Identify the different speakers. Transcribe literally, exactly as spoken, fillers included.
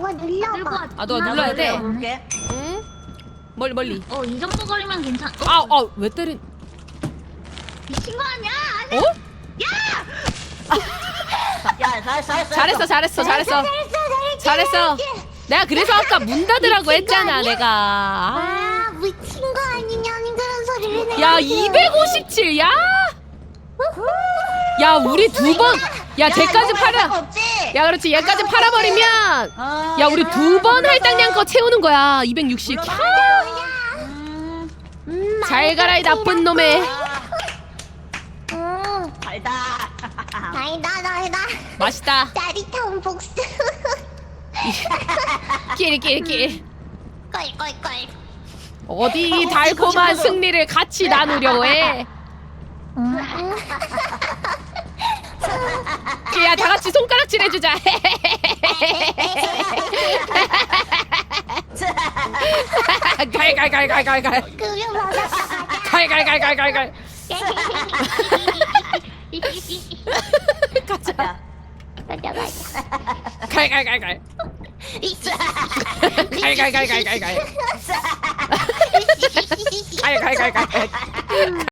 Speaker 1: 한번 눌러봐.
Speaker 2: 아, 너가 눌러야 돼?
Speaker 3: 볼게.
Speaker 2: 응? 멀리 멀리.
Speaker 4: 어, 이 정도 거리면 괜찮. 어?
Speaker 2: 아, 아, 왜 때린?
Speaker 4: 미친 거 아니야?
Speaker 2: 어?
Speaker 3: 야, 잘했어, 잘했어.
Speaker 2: 잘했어, 잘했어, 잘했어.
Speaker 1: 잘했어,
Speaker 2: 잘했어. 내가 그래서 아까 문 닫으라고
Speaker 1: 미친 거
Speaker 2: 했잖아,
Speaker 1: 아니야?
Speaker 2: 내가. 아.
Speaker 1: 아, 미친 거 아니냐는 그런 소리를 해.
Speaker 2: 야, 이백오십칠. 야. 야, 우리 두 번. 야, 쟤까지 팔아.
Speaker 3: 없지?
Speaker 2: 야, 그렇지. 얘까지 팔아버리면.
Speaker 3: 어,
Speaker 2: 야, 우리 두 번
Speaker 3: 물러서.
Speaker 2: 할당량 거 채우는 거야. 이백육십.
Speaker 3: 물러서.
Speaker 2: 캬.
Speaker 3: 음,
Speaker 1: 음,
Speaker 2: 잘 가라, 이 나쁜 놈의.
Speaker 3: 아,
Speaker 1: 음,
Speaker 3: 달다.
Speaker 1: 달다, 달다.
Speaker 2: 맛있다.
Speaker 1: 짜릿한 복수.
Speaker 2: 끼리끼리끼리.
Speaker 1: 껄껄껄.
Speaker 2: 어디 달콤한 승리를 같이 나누려고 해.
Speaker 1: 음, 음.
Speaker 2: 야, 다 같이 손가락질 해주자. 갈갈갈갈갈갈.
Speaker 1: 그게 맞아.
Speaker 2: 갈갈갈갈갈갈. 가자.
Speaker 3: 야,
Speaker 1: 가자, 가자.
Speaker 2: 갈갈갈갈. 갈갈갈갈갈갈. 갈갈갈갈갈.